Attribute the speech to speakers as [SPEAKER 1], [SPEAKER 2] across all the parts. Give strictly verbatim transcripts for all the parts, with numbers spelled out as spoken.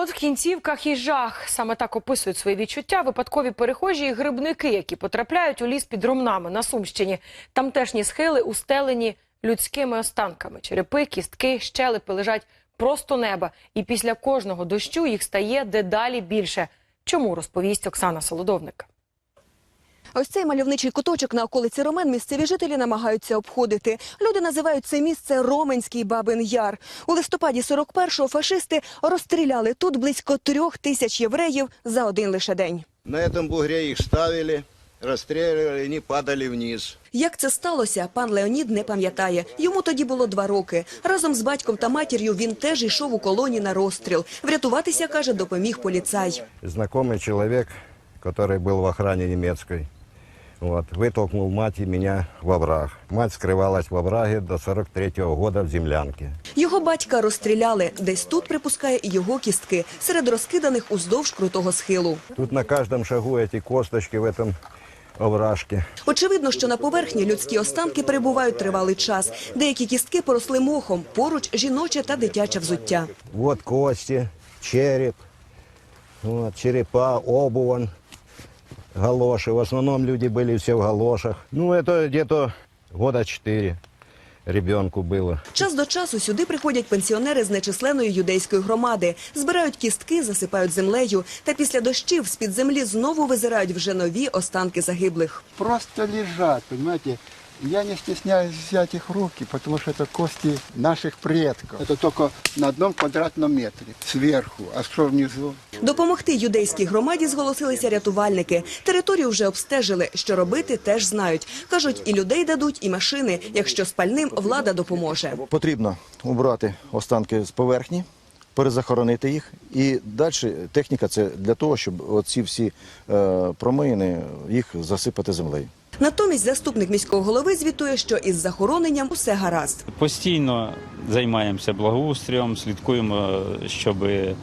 [SPEAKER 1] Голод, кінцівках і жах. Саме так описують свої відчуття випадкові перехожі і грибники, які потрапляють у ліс під Ромнами на Сумщині. Тамтешні схили устелені людськими останками. Черепи, кістки, щелепи лежать просто неба. І після кожного дощу їх стає дедалі більше. Чому, розповість Оксана Солодовник.
[SPEAKER 2] Ось цей мальовничий куточок на околиці Ромен місцеві жителі намагаються обходити. Люди називають це місце Роменський Бабин Яр. У листопаді сорок першого фашисти розстріляли тут близько трьох тисяч євреїв за один лише день.
[SPEAKER 3] На цьому бугрі їх ставили, розстрілювали, і вони падали вниз.
[SPEAKER 2] Як це сталося, пан Леонід не пам'ятає. Йому тоді було два роки. Разом з батьком та матір'ю він теж йшов у колоні на розстріл. Врятуватися, каже, допоміг поліцай.
[SPEAKER 3] Знайомий чоловік, який був в охрані німецької, вот, вытолкнул мать и меня в овраг. Мать скрывалась в овраге до сорок третьего года в землянке.
[SPEAKER 2] Його батька розстріляли. Десь тут, припускає, і його кістки, серед розкиданих уздовж крутого схилу.
[SPEAKER 3] Тут на кожному шагу эти косточки в этом овражке.
[SPEAKER 2] Очевидно, що на поверхні людські останки перебувають тривалий час. Деякі кістки поросли мохом, поруч жіноче та дитяче взуття.
[SPEAKER 3] Вот кости, череп, вот, черепа, обувь. Галоши. В основном люди были все в галошах. Ну, это где-то года четыре ребенку было.
[SPEAKER 2] Час до часу сюди приходять пенсіонери з нечисленної юдейської громади. Збирають кістки, засипають землею. Та після дощів з-під землі знову визирають вже нові останки загиблих.
[SPEAKER 4] Просто лежат, понимаете. Я не стесняюсь взять их в руки, потому что это кости наших предков. Это только на одном квадратном метре, сверху, а что внизу?
[SPEAKER 2] Допомогти юдейській громаді зголосилися рятувальники. Територію вже обстежили, що робити теж знають. Кажуть, і людей дадуть, і машини, якщо спальним влада допоможе.
[SPEAKER 5] Потрібно убрати останки з поверхні, перезахоронити їх. І далі техніка – це для того, щоб оці всі е, промиїни, їх засипати землею.
[SPEAKER 2] Натомість заступник міського голови звітує, що із захороненням усе гаразд.
[SPEAKER 6] Постійно займаємося благоустрієм, слідкуємо, щоб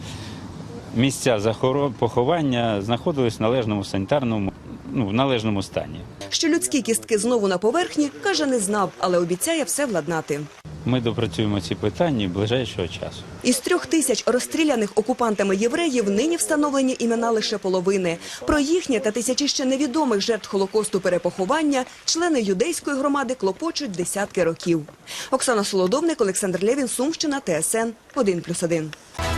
[SPEAKER 6] місця поховання знаходились в належному санітарному, ну, в належному стані.
[SPEAKER 2] Що людські кістки знову на поверхні, каже, не знав, але обіцяє все владнати.
[SPEAKER 6] Ми допрацюємо ці питання ближайшого часу.
[SPEAKER 2] Із трьох тисяч розстріляних окупантами євреїв нині встановлені імена лише половини. Про їхнє та тисячі ще невідомих жертв Холокосту перепоховання члени юдейської громади клопочуть десятки років. Оксана Солодовник, Олександр Лєвін, Сумщина, Т С Н один плюс один.